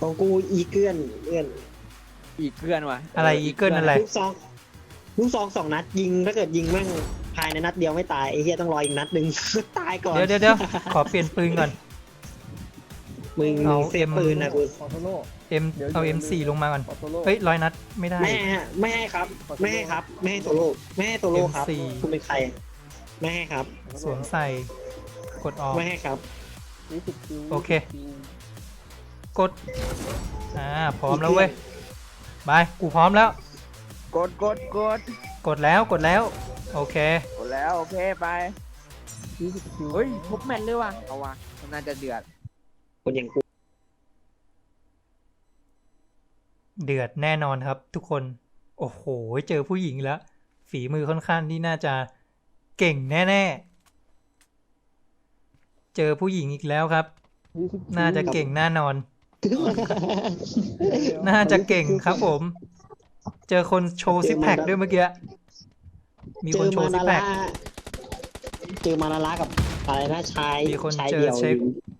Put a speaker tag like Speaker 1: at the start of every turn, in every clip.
Speaker 1: ของกูอีเกิลเอื้อน
Speaker 2: อีกเกือนว่ะ
Speaker 3: อะไรอีเกิลอะไร
Speaker 1: ลูกซอง2 นัดยิงถ้าเกิดยิงแม่งภายในนัดเดียวไม่ตายไอ้เหี้ยต้องรออีกนัดหนึ่ง ตายก่อน
Speaker 3: เดี๋ยวขอเปลี่ยนปืนก่อน
Speaker 1: มึง
Speaker 3: เอา
Speaker 1: เซฟปืนนะกู
Speaker 4: ขอโทโร่
Speaker 3: เอา M4 ลงมาก่อน
Speaker 4: ขอโทโร่
Speaker 3: เฮ้ย100 นัดไม่ได้
Speaker 1: ไม่ให้ครับไม่ให้ครับไม่ให้โซโล่ไม่ให้โซโล่ครับ
Speaker 3: M4
Speaker 1: คุณเป็นใครไม่ให้ครับ
Speaker 3: สวมใส่กดออก
Speaker 1: ไม่ให้ครับ
Speaker 4: 20 คิว
Speaker 3: โอเค กดพร้อมแล้วเว้ยบายกูพร้อมแล้ว
Speaker 2: กด
Speaker 3: กดแล้วโอเค
Speaker 2: กดแล้วโอเคไป
Speaker 4: 20 คิว
Speaker 2: เฮ้ยทุบแมนเลยว่ะเอาว่ะมันน่าจะเดือด
Speaker 1: คนอย่างกู
Speaker 3: เดือดแน่นอนครับทุกคนโอ้โหเจอผู้หญิงแล้วฝีมือค่อนข้างที่น่าจะเก่งแน่ๆเจอผู้หญิงอีกแล้วครับ
Speaker 4: 20
Speaker 3: น่าจะเก่งแน่นอน น่าจะเก่งครับผม เจอคนโชว์ซิปแพคด้วยเมื่อกี้มีคนโชว์ซิปแพค
Speaker 1: เจอมานาระกับอะไรนะชาย
Speaker 3: มีคน
Speaker 1: ชาย
Speaker 3: เจอ
Speaker 1: เดี่ยว
Speaker 3: เช็ค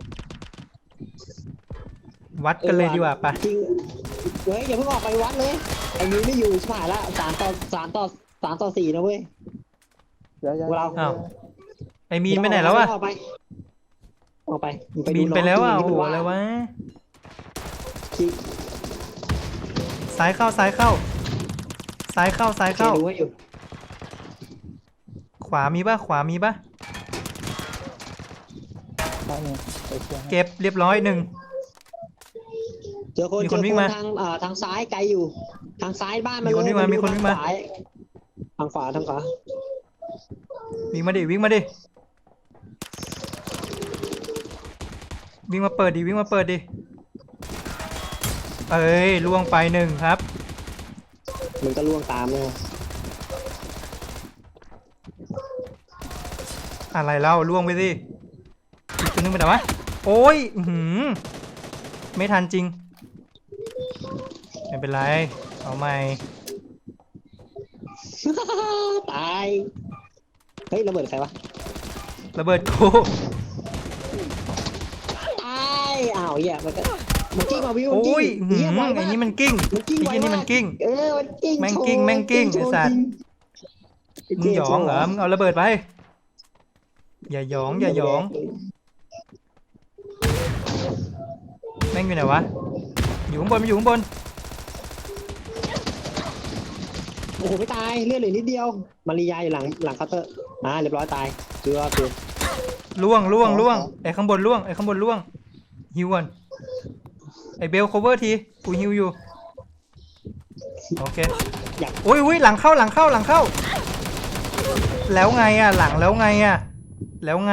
Speaker 3: วัดกันเลยดีกว่าปะ
Speaker 1: จริงเฮ้ยอย่าเพิ่งออกไปวัดเลยไอ้นี้ไม่อยู่ชิบหายละ3-4นะเว้ย เรา
Speaker 3: อ้าวไอมีนไปไหนแล้วอะ
Speaker 1: ออกไปมึงดู
Speaker 3: มีนไปแล้วอ่ะ
Speaker 1: น้
Speaker 3: โอ้
Speaker 1: ง
Speaker 3: โห
Speaker 1: ที่
Speaker 3: อะไรวะ
Speaker 1: คิด
Speaker 3: ซ้ายเข้าซ้ายเข้า
Speaker 1: ดูให้อยู่
Speaker 3: ขวามีปะ
Speaker 4: ได้ไงไปเชียร์
Speaker 3: เก็บเรียบร้อยหนึ่ง
Speaker 1: เจอคน
Speaker 3: มีคนวิ่งมา
Speaker 1: ทางซ้ายไกลอยู่ ทางซ้ายบ้านมัน
Speaker 3: มีคนวิ่งมา
Speaker 1: เลย
Speaker 3: มีคนวิ่งมา
Speaker 1: ทางขวา
Speaker 3: วิ่งมาดิวิ่งมาเปิดดิเอ้ยล่วงไปหนึ่งครับ
Speaker 1: มันก็ล่วงตามเลย
Speaker 3: อะไรเล่าล่วงไปสิอีกตัวนึงไปไหนวะโอ้ยไม่ทันจริงไม่เป็นไรเอาใหม่
Speaker 1: ตายเฮ้ยระเบิดใครวะ
Speaker 3: ระเบิดกู
Speaker 1: ตายอ้าวเหี้ยมันกิ้งมาวิว
Speaker 3: โอ้ย
Speaker 1: เหี้ยไว
Speaker 3: ไอ้
Speaker 1: มาก
Speaker 3: นี่มันกิ้ง
Speaker 1: มันกิ้ง
Speaker 3: ไอ้
Speaker 1: ไว
Speaker 3: ที่นี่
Speaker 1: มา
Speaker 3: มั
Speaker 1: ก
Speaker 3: นกิ้ง
Speaker 1: มันกิ้ง
Speaker 3: แม่งกิ้ง
Speaker 1: โชว์
Speaker 3: แม่งกิ้ง
Speaker 1: โชว์
Speaker 3: ไอ้สัตว์
Speaker 1: จริง
Speaker 3: มึงหยองเหรอมึงเอาระเบิดไปอย่าหยองแม่งอยู่ไหนวะอยู่ข้างบนมันอยู่ข้างบน
Speaker 1: โอ้โหไม่ตายเลือดเหลือนิดเดียวมาริยาอยู่หลังเคาน์เตอร์เรียบร้อยตายคือ
Speaker 3: ล่วงไอ้ข้างบนล่วงฮิวก่อนไอ้เบล cover ทีกูฮิวอยู่โอเคโอ้ยหลังเข้าแล้วไงอ่ะหลังแล้วไงอ่ะ
Speaker 1: หลัง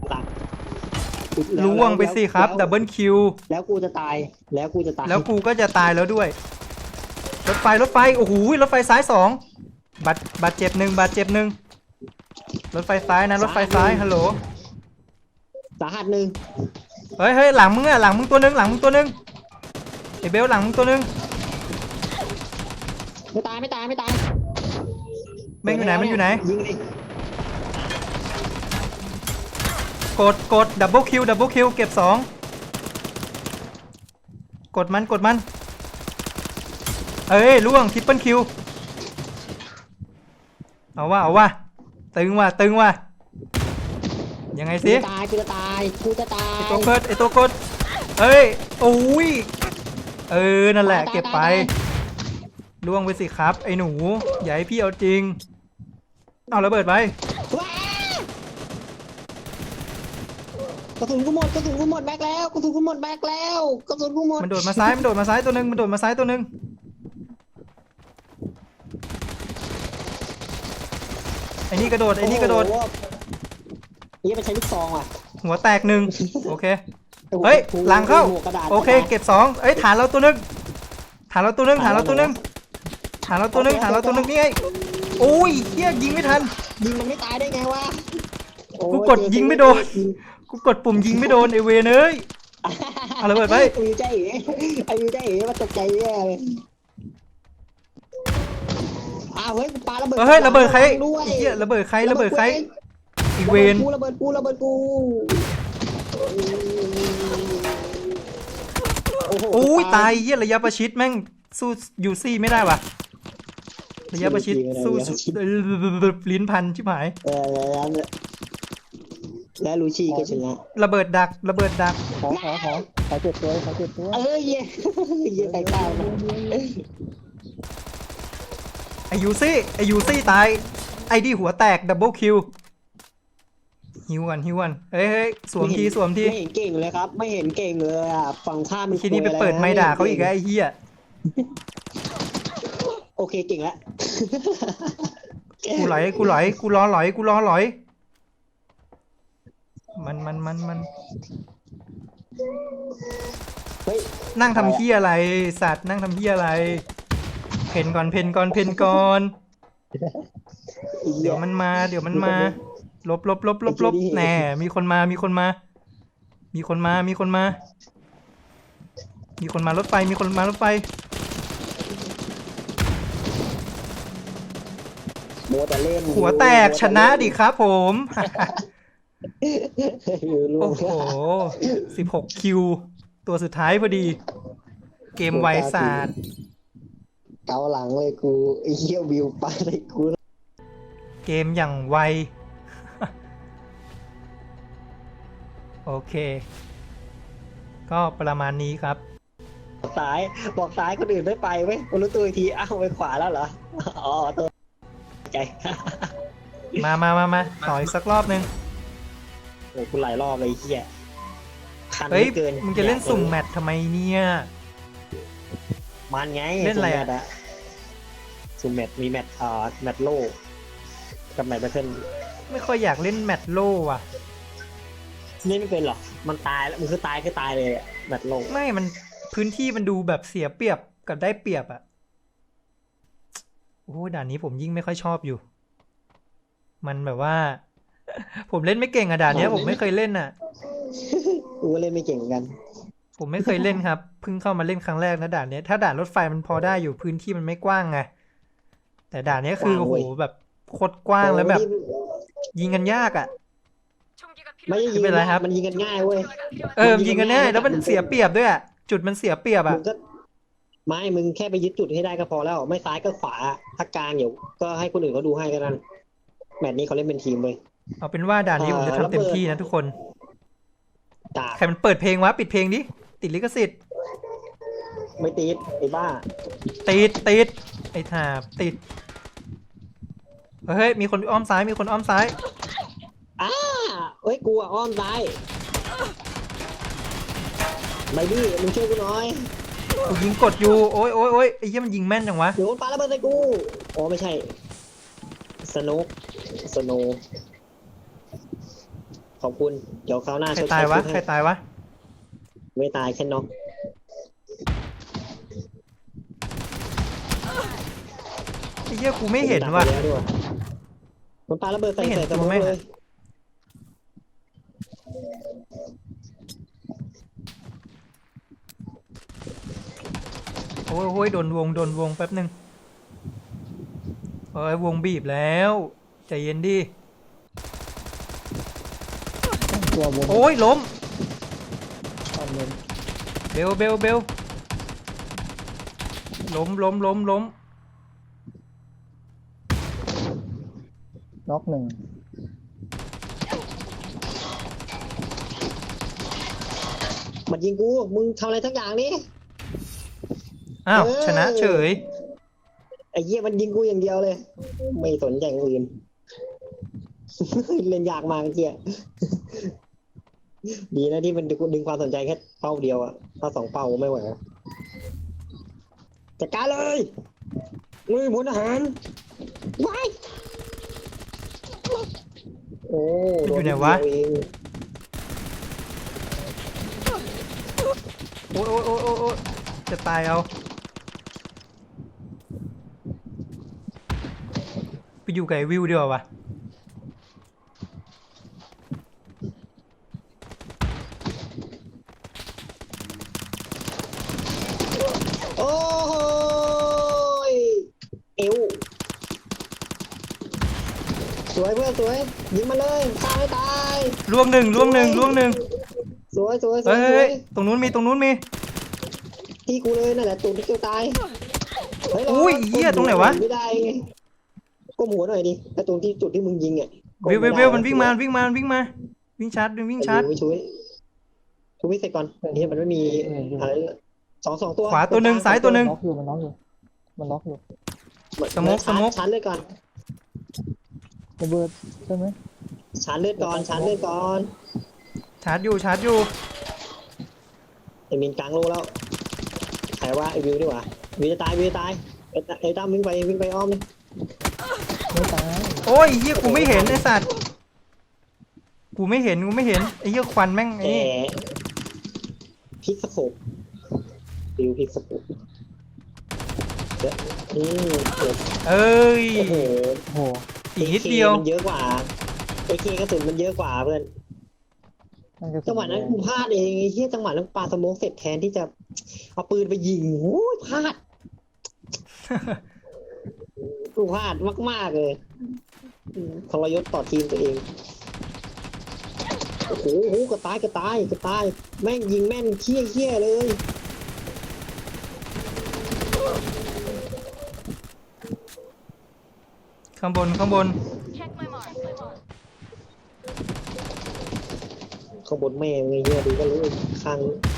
Speaker 3: ล่วงไปสิครับดับเบิลคิว
Speaker 1: แล้วกูจะตาย
Speaker 3: แล้วกูก็จะตายแล้วด้วยรถไฟโอ้โหรถไฟซ้าย2บาดเจ็บหนึ่งรถไฟซ้ายนะรถไฟซ้ายฮัลโหล
Speaker 1: สาหัสหนึ่ง
Speaker 3: เฮ้ยหลังมึงตัวนึงไอ้เบลหลังมึงตัวนึง
Speaker 1: ไม่ตาย
Speaker 3: แม่งอยู่ไหน
Speaker 1: ยิงดิ
Speaker 3: กดดับเบิลคิวเก็บ2กดมันเอ้ยล่วงทริปเปิลคิวเอาว่ะตึงว่ะยังไงสิ
Speaker 1: กูจะตาย
Speaker 3: ไอตัวกดเอ้ยโอ้ยนั่นแหละเก็บไปล่วงไปสิครับไอ้หนูอย่าให้พี่เอาจริงเอาระเบิดไป
Speaker 1: กระสุนกูหมดแบ็คแล้ว
Speaker 3: มันโดดมาซ้ายตัวนึงไอ้นี่กระโดด
Speaker 1: นี่ไปใช้ลูกซองว่ะ
Speaker 3: หัวแตกหนึ่งโอเคเฮ้ยหลังเข้าโอเคเก็บ2เอ้ยฐานเราตัวนึงนี่ไงโอ้ยเฮียยิงไม่ทัน
Speaker 1: ยิงมันไม่ตายได้ไงวะ
Speaker 3: กูกดยิงไม่โดนกูกดปุ่มยิงไม่โดนไอเวรเอ้ยเอาระเบิดไป
Speaker 1: ไอ้วิวใจเอ๋มาตกใจแย่เลยเฮ้ยปาระเบิด
Speaker 3: เฮ้ยระเบิดใคร
Speaker 1: ด้วย
Speaker 3: เฮียระเบิดใครอีเวน
Speaker 1: ระเบิดกูโอ้โห
Speaker 3: โอ้ยตายเหี้ยระยะประชิดแม่งสู้ยูซี่ไม่ได้ว่ะระยะประชิดสู้ลิ้นพันชิบหาย
Speaker 1: แล้วลูชี่ก็ชนะ
Speaker 3: ระเบิดดักระเบิดดัก
Speaker 4: ขอเจ็บตัวขอเจ็บตัว
Speaker 1: เย้เย้ใส่ข้าวมัน
Speaker 3: ไอยูซี่ตายไอดีหัวแตกดับเบิลคิวฮิวกันเฮ้ยสวมที
Speaker 1: ไม่เห็นเก่งเลยครับ ไม่เห็นเก่งเลยอ่ะฝั่งข้ามมัน
Speaker 3: ทีนี้ไปเปิดไม้ด่าเขาอีกแล้วไอ้เหี้ย
Speaker 1: โอเคเก่งแล้ว
Speaker 3: กูรอหลอยมัน
Speaker 1: เฮ้ย
Speaker 3: นั่งทำเหี้ยอะไรสัตว์นั่งทำเหี้ยอะไรเพนก่อนเดี๋ยวมันมาลบแหน่มีคนมารถไฟ
Speaker 1: โมแต่เล่น
Speaker 3: หัวแตกชนะดิครับผม โอ้โห16คิวตัวสุดท้ายพอดีเกมไวศาสตร์
Speaker 1: เกาหลังเลยกูไอ้เหี้ยวิวปาเลยกู
Speaker 3: เกมอย่างไว โอเค ก็ประมาณนี้ครับ
Speaker 1: บอกซ้ายคนอื่นไม่ไปเว้ยกูรู้ตัวอีกทีอ้าวไปขวาแล้วเหรออ๋อตัวใจ
Speaker 3: มาต่ออีกสักรอบนึง
Speaker 1: โอ้กูหลายรอบเลยไอ้เหี้ยคัน
Speaker 3: เฮ้ย
Speaker 1: เกิน
Speaker 3: มึงจะเล่นสุ่มแมตช์ทำไมเนี่ย
Speaker 1: มันไง
Speaker 3: เล่นอะไรอะ
Speaker 1: สุ่มแมตช์มีแมตช์แมตช์โลกับแมตช์แบทเทิล
Speaker 3: ไม่ค่อยอยากเล่นแมตช์โล่ว่ะ
Speaker 1: เล่นไม่เป็นหรอมันตายแล้วมันคือตายเลยอะแมตช์โล
Speaker 3: ไม่มันพื้นที่มันดูแบบเสียเปรียบกับได้เปรียบอะโอ้โหด่านนี้ผมยิ่งไม่ค่อยชอบอยู่ มันแบบว่า ผมเล่นไม่เก่งอะด่านเนี้ยผมไม่เคยเล่นอะ
Speaker 1: กูก็เล่นไม่เก่งเหมือนกัน
Speaker 3: ผมไม่เคยเล่นครับเพิ่งเข้ามาเล่นครั้งแรกนะด่านเนี้ยถ้าด่านรถไฟมันพอได้อยู่พื้นที่มันไม่กว้างไงแต่ด่านเนี้ยคือโอ้โหแบบโคตรกว้างแล้วแบบ ยิงกันยากอะ
Speaker 1: ไม่ได้ยิง
Speaker 3: ไม่เป็นไรครับ
Speaker 1: มันยิงกันง่ายเว้ย
Speaker 3: ยิงกันแน่แล้วมันเสียเปรียบด้วยอะจุดมันเสียเปรียบ
Speaker 1: มึ
Speaker 3: อะ
Speaker 1: งก็ไม่มึงแค่ไปยึดจุดให้ได้ก็พอแล้วไม่ซ้ายก็ขวาถ้ากลางเดี๋ยวก็ให้คนอื่นเขาดูให้กันนั่นแมตช์นี้เขาเล่นเป็นทีมเว้ย
Speaker 3: เอาเป็นว่าด่านนี้ผมจะทำเต็มที่นะทุกคน
Speaker 1: จาก
Speaker 3: ใครมันเปิดเพลงวะปิดเพลงดิติดลิขสิทธิ์
Speaker 1: ไม่ตีดไอ้บ้า
Speaker 3: ติดไอ้ถาบติดเฮ้ยมีคนอ้อมซ้าย
Speaker 1: เอ้ยกูอะอ้อมซ้ายไม่ดิมึงช่วยกูหน่อย
Speaker 3: กูยิงกดอยู่โอ้ยไอ้เหี้ยมันยิงแม่นจังวะ
Speaker 1: เดี๋ยวมันปาระเบิดใส่กูอ๋อไม่ใช่สโนขอบคุณเดี๋ยวคราวหน้า
Speaker 3: ใครตายวะ
Speaker 1: ให้ไม่ตายแค่น็อก
Speaker 3: ไอ้เหี้ยกูไม่เห็นว่ะ
Speaker 1: มันปาระเบิดใส่
Speaker 3: ไม่เห็น
Speaker 1: ใส่
Speaker 3: ตัวแม่ง
Speaker 1: เลย
Speaker 3: โอ้ยโดนวงแป๊บนึงเอ้ยวงบีบแล้วใจเย็นดิ
Speaker 4: ตัวบน
Speaker 3: โอ้ยล้ม
Speaker 4: ตอนบน
Speaker 3: เบลล้ม
Speaker 4: น็อกหนึ่ง
Speaker 1: มันยิงกูมึงทำอะไรทั้งอย่างนี่
Speaker 3: อ้าวชนะเฉย
Speaker 1: ไอ้เหี้ยมันยิงกูอย่างเดียวเลย ไม่สนใจอย่างอื่น เล่นยากมากเจี๊ยดีนะที่มันดึงความสนใจแค่เป้าเดียวอะถ้าสองเป้าไม่ไหวจัดการเลยมือพลทหารว้ายโอ้
Speaker 3: มันอยู่ไหนวะ
Speaker 1: โดเดียเอง
Speaker 3: โอ้ยจะตายเอาไปอยู่กับไอ้วิวดีกว่าวะ
Speaker 1: โอ้ยเอวสวยเพื่อนสวยยิงมาเลยตายไม่ตาย
Speaker 3: ล่วงหนึ่ง
Speaker 1: สวย
Speaker 3: เฮ้ยตรงนู้นมี
Speaker 1: ที่กูเลยนั่นแหละตูนที่เกียวตายเฮ้ย
Speaker 3: อุ้ยเหี้ยตรงไหนวะ
Speaker 1: ไม่ได้ไงก้มหัวหน่อยดิไอ้ตรงที่จุดที่มึงยิงอ่ะ
Speaker 3: เวลมันวิ่งมาวิ่งวิ่งชาร์จวิ่งชาร์จ
Speaker 1: ไม่ช่วยช่วยเสร็จก่อนนี่มันไม่มีอะไรสองตัว
Speaker 3: ขวาตัวหนึ่งซ้ายตัวหนึ่ง
Speaker 4: ล็อกอยู่มันล็อกอยู่มันล็อกอยู่
Speaker 3: สโมก
Speaker 1: ชาร์จเลือดก่อน
Speaker 4: ระเบิดใช่ไหม
Speaker 1: ชาร์จเลือดก่อนชาร์จเลือดก่อน
Speaker 3: ชาร์จอยู่
Speaker 1: ไอ้มินกลางโลแล้วใครว่าไอ้วิวดีกว่าวิวจะตายไอ้ตั้มวิ่งไปอ้อมเลย
Speaker 4: ไม่ตาย
Speaker 3: โอ้ยเหี้ยกูไม่เห็นไอ้สัตว์กูไม่เห็นไอ้เหี้ยควันแม่งไอ้
Speaker 1: แก
Speaker 3: นี่
Speaker 1: พิกสโคปวิวพิกสโคปเดี๋ยวนี่เดี๋ยว
Speaker 3: เอ้ย
Speaker 1: โอ้โห
Speaker 4: โอ้โห
Speaker 3: อีกนิดเดียว
Speaker 1: มันเยอะกว่าไอ้เคกระสุนมันเยอะกว่าเพื่อน
Speaker 4: นั่นก็
Speaker 1: จังหวะนั้นกูพลาดเองไอ้เหี้ยจังหวะนั้นปาสโมกเสร็จแทนที่จะเอาปืนไปยิงโอ้ยพลาด กูพลาดมากๆเลยทรยศต่อทีมตัวเองโอ้โหกระตายแม่งยิงแม่นเขี้ยเลย
Speaker 3: ข้างบน
Speaker 1: ข้างบนแม่งไงเหี้ยดูก็รู้ข้าง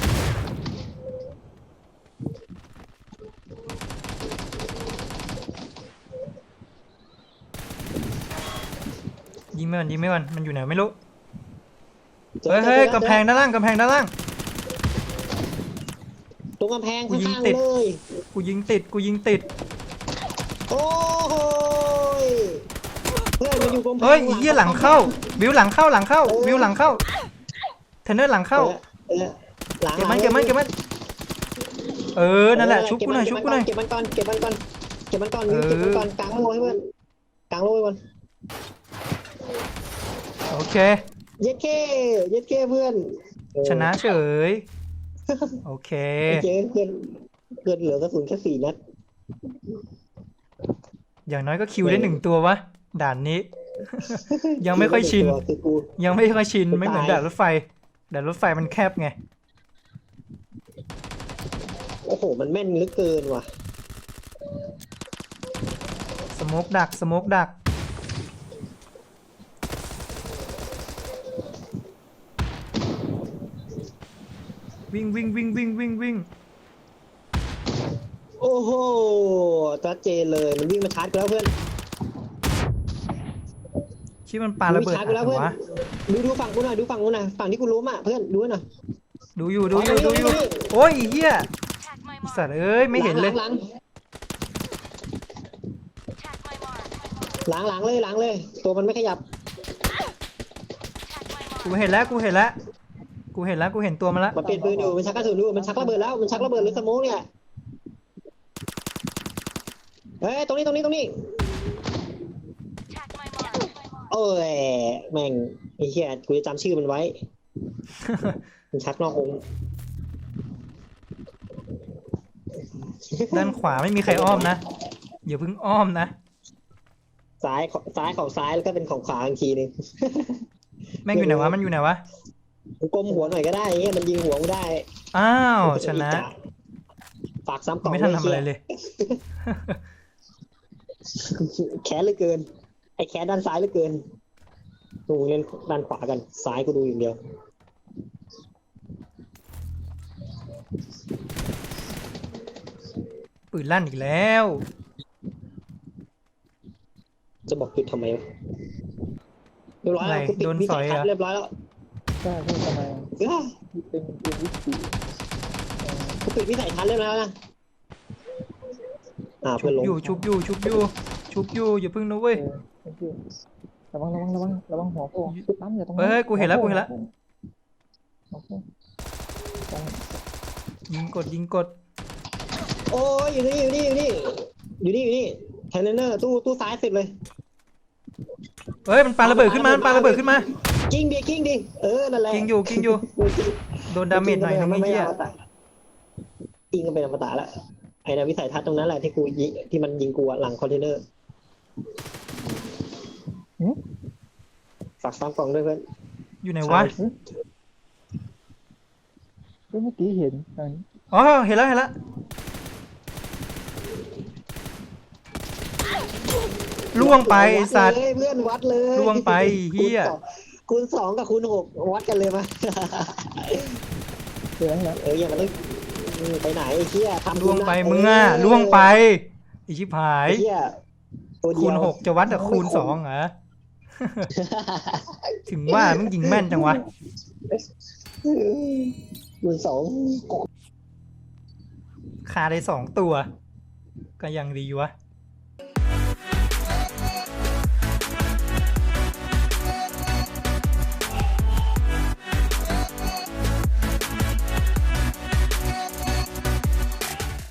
Speaker 3: ยิงไม่วันมันอยู่ไหนไม่รู้เฮ้ยกำแพงด้านล่าง
Speaker 1: ตรงกำแพง
Speaker 3: กู
Speaker 1: ข้
Speaker 3: ยิง
Speaker 1: างๆ
Speaker 3: ติด
Speaker 1: เลย
Speaker 3: กูยิงติด
Speaker 1: โอ้ยเพื่อนมันอยู่กำแพง
Speaker 3: เฮ้ยเหี้ยหลังเข้าวิวหลังเข้าวิวหลังเข้าเทรนเนอร์หลังเข้า
Speaker 1: หลัง
Speaker 3: เก็บมันนั่นแหละชุบกูหน่อย
Speaker 1: เก็บมันก่อนกลางโลให้เพื่อนกลางโลให้เพื่อน
Speaker 3: โอเค
Speaker 1: เย็ดเคเพื่อน
Speaker 3: ชนะเฉยโอเค
Speaker 1: เจ๊เพื่อนเหลือกระสุนแค่4 นัด
Speaker 3: อย่างน้อยก็คิวได้1 ตัววะด่านนี้ ยังไม่ค่อยชิน
Speaker 1: คือกู
Speaker 3: ไม่เหมือนด่านรถไฟมันแคบไง
Speaker 1: โอ้โหมันแม่นเหลือเกินว่ะ
Speaker 3: สโมกดักวิ่ง
Speaker 1: โอ้โหชัดเจนเลยมันวิ่งมาชาร์จกูแล้วเพื่อน
Speaker 3: ชิมันปาระเบิด
Speaker 1: ชาร์จกูแล้วเพื่อน
Speaker 3: วะ
Speaker 1: ดูฝั่งกูหน่อยฝั่งที่กูล้มอ่ะเพื่อนดูหน่อย
Speaker 3: ดูอยู่โอ้ยเหี้ยสัตว์เอ้ยไม่เห็นเลย
Speaker 1: หลังเลยตัวมันไม่ขยับ
Speaker 3: กูเห็นตัวมันละ
Speaker 1: มันเปลี่ยนปืนอยู่มันชักกระสุนอยู่มันชักระเบิดแล้วมันชักระเบิดหรือสโมกเนี่ยเฮ้ยตรงนี้โอ้ยแม่งไอ้เหี้ยกูจะจำชื่อมันไว้ มันชักนอกวง
Speaker 3: ด้านขวาไม่มีใครอ้อมนะอย่าเพิ่งอ้อมนะ
Speaker 1: ซ้ายของซ้ายแล้วก็เป็นของขวาอีกทีนึง
Speaker 3: แม่งอยู่ไหนวะมันอยู่ไหนวะ
Speaker 1: กูก้มหัวหน่อยก็ได้เงี้ยมันยิงหัวกูได้
Speaker 3: อ้าวชนะ
Speaker 1: ฝากซ้ำกล่อง
Speaker 3: ไม่ทันทำอะไรเลย
Speaker 1: แขนเหลือเกินไอ้แขนด้านซ้ายเหลือเกินกูเล่นด้านขวากันซ้ายกูดูอย่างเดียว
Speaker 3: ปืนลั่นอีกแล้ว
Speaker 1: จะบอกจุดทำไมวะเรียบร้อยแล้วกูปิดวิสัยทัศน์เรียบร้อยแล้ว
Speaker 4: ใช่ทำไม เป็นวิธี
Speaker 1: กูปิดวิสัยทัศน์เรียบร้อยแล้วนะเพื่อนลง
Speaker 3: ชุบอยู่อย่าเพิ่งนะเว้ย
Speaker 4: ระวังหัวโผล่คือปั๊มอย่าตรง
Speaker 3: เฮ้ยกูเห็นแล้ว
Speaker 4: โอเค
Speaker 3: ยิงกด
Speaker 1: โอ้ยอยู่นี่แทนเนอร์ตู้ซ้ายสุดเลย
Speaker 3: เฮ้ยมันปาระเบิดขึ้นมา
Speaker 1: กิ้งดินั่นแหละ
Speaker 3: ยิงอยู่โดนดาเมจหน่อยนึงไอ้เหี้ย
Speaker 1: กิ้งก็เป็นอมตะแล้วไอ้วิสัยทัศน์ตรงนั้นแหละที่กูยิงที่มันยิงกูหลังคอนเทนเนอร์ฝากซ้ำกล่องด้วยเพื่อน
Speaker 3: อยู่ไหนวะ
Speaker 4: เมื่อกี้เห็น
Speaker 3: อ๋อเห็นแล้วเห็นแล้วล่วงไปไอ้สัตว์
Speaker 1: วัดเลยเพื่อนวัดเลย
Speaker 3: ล่วงไปเหี้ย
Speaker 1: คูณสองกับคูณหกวัดกันเลยมา
Speaker 4: เดี๋ยวนะ
Speaker 1: อย่ามาเล่นไปไหนไอ้เหี้ยทำ
Speaker 3: ล่วงไปมึงอ่ะล่วงไปไอ้ชิบหาย
Speaker 1: ไอ้เหี้ยตัวเดี
Speaker 3: คู
Speaker 1: ยว
Speaker 3: ณ 6จะวัดกับคูณ2เหรอ ถึงว่ามึงยิงแม่นจังวะ
Speaker 1: คูณสอง
Speaker 3: คาได้2 ตัว ก็ยังดีวะ